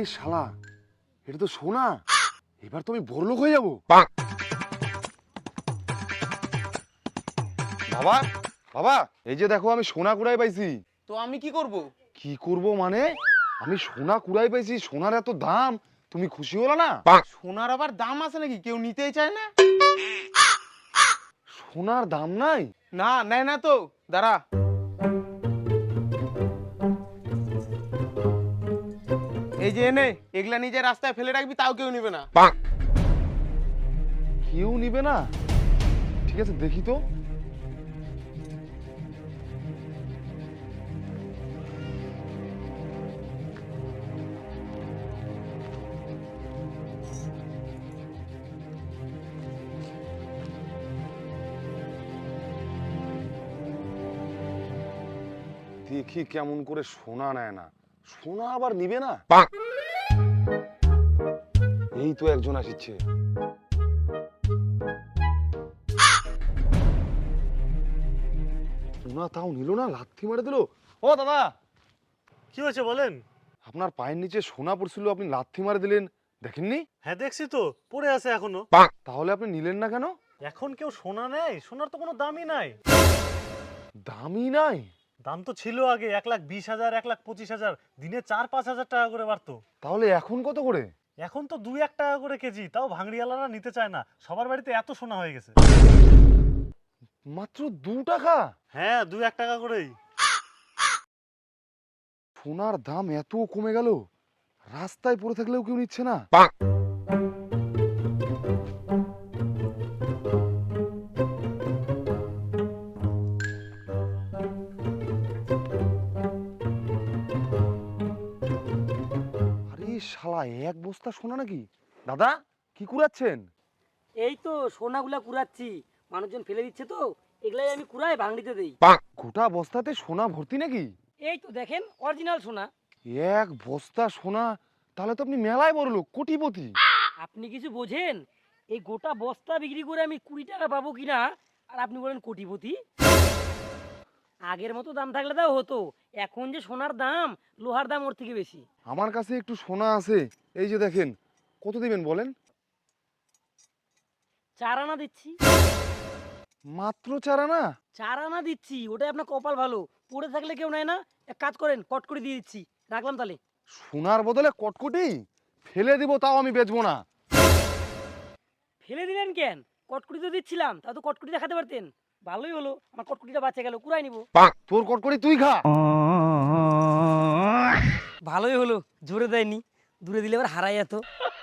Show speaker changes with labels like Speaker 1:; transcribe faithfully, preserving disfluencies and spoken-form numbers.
Speaker 1: শালা, এটা তো সোনা। এবার তো আমি বড়লোক হয়ে যাবো। বাবা বাবা, এই যে দেখো আমি সোনা কুড়াই পাইছি।
Speaker 2: তো আমি কি করব?
Speaker 1: কি করব মানে? আমি সোনা কুড়াই পাইছি, সোনার এত দাম, তুমি খুশি হলো না?
Speaker 2: সোনার আবার দাম আছে নাকি? কেউ নিতেই চায় না।
Speaker 1: সোনার দাম নাই?
Speaker 2: না, নেয় না তো। দাঁড়া, এই যে এনে এগুলা নিজে রাস্তায় ফেলে রাখবি, তাও কেউ নিবে না।
Speaker 1: কেউ নিবে না? ঠিক আছে, দেখি তো। দেখি কেমন করে সোনা নেয় না। সোনা আবার নিবে না? এই তো একজন আসছে। সোনা তাও নিল না, লাথি মারে দিল। ও দাদা,
Speaker 3: কি হয়েছে বলেন?
Speaker 1: আপনার পায়ের নিচে সোনা পড়ছিল, আপনি লাথি মারে দিলেন, দেখেননি?
Speaker 3: হ্যাঁ দেখছি তো, পড়ে আছে এখনো।
Speaker 1: তাহলে আপনি নিলেন না কেন?
Speaker 3: এখন কেউ সোনা নেয়? সোনার তো কোনো দামই নাই।
Speaker 1: দামই নাই?
Speaker 3: দাম তো ছিল আগে এক লাখ বিশ হাজার, এক লাখ পঁচিশ হাজার, দিনে চার পাঁচ হাজার টাকা করে বাড়তো।
Speaker 1: তাহলে এখন কত করে?
Speaker 3: এখন তো দুই এক টাকা করে কেজি, তাও ভাঙড়িওয়ালারা নিতে চায় না। সবার বাড়িতে এত সোনা হয়ে গেছে।
Speaker 1: মাত্র দু টাকা?
Speaker 3: হ্যাঁ, দুই এক টাকা করেই।
Speaker 1: সোনার দাম এত কমে গেল, রাস্তায় পড়ে থাকলেও কেউ নিচ্ছে না। আরে শালা, এক বস্তা সোনা নাকি? দাদা, কি কুড়াচ্ছেন?
Speaker 4: এই তো সোনাগুলা কুড়াচ্ছি, মানুষজন ফেলে দিচ্ছে তো, এগুলাই আমি কুড়াই ভাঙড়িতে দেই।
Speaker 1: গোটা বস্তাতে সোনা ভর্তি নাকি?
Speaker 4: এই তো দেখেন, অরিজিনাল সোনা।
Speaker 1: এক বস্তা সোনা? তাহলে তো আপনি মেলায় বড় লোক, কোটিপতি।
Speaker 4: আপনি কিছু বোঝেন? এই গোটা বস্তা বিক্রি করে আমি কুড়ি টাকা পাবো কিনা, আর আপনি বলেন কোটিপতি। আগের মতো দাম থাকলে তাও হতো, এখন যে সোনার দাম, লোহার দাম ওর থেকে বেশি।
Speaker 1: আমার কাছে একটু সোনা আছে, এই যে দেখেন। কত দিবেন বলেন?
Speaker 4: চার আনা দিচ্ছি।
Speaker 1: মাত্র চার আনা?
Speaker 4: চার আনা দিচ্ছি, ওটাই আপনার কপাল ভালো। পড়ে থাকলে কেউ নেয় না। এক কাজ করেন, কট করে দিয়ে দিচ্ছি, রাখলাম তাহলে।
Speaker 1: সোনার বদলে কটকটি? ফেলে দিব, তাও আমি বেচবো না।
Speaker 4: ফেলে দিলেন কেন? কটকুটি তো দিচ্ছিলাম, তাও তো কটকুটি দেখাতে পারতেন। ভালোই হলো, আমার কটকুটিটা বাঁচে গেল, কুড়াই নিব।
Speaker 1: তোর কটকটি তুই খা।
Speaker 4: ভালোই হলো, জোরে দেয়নি, দূরে দিলে এবার হারাই যেত।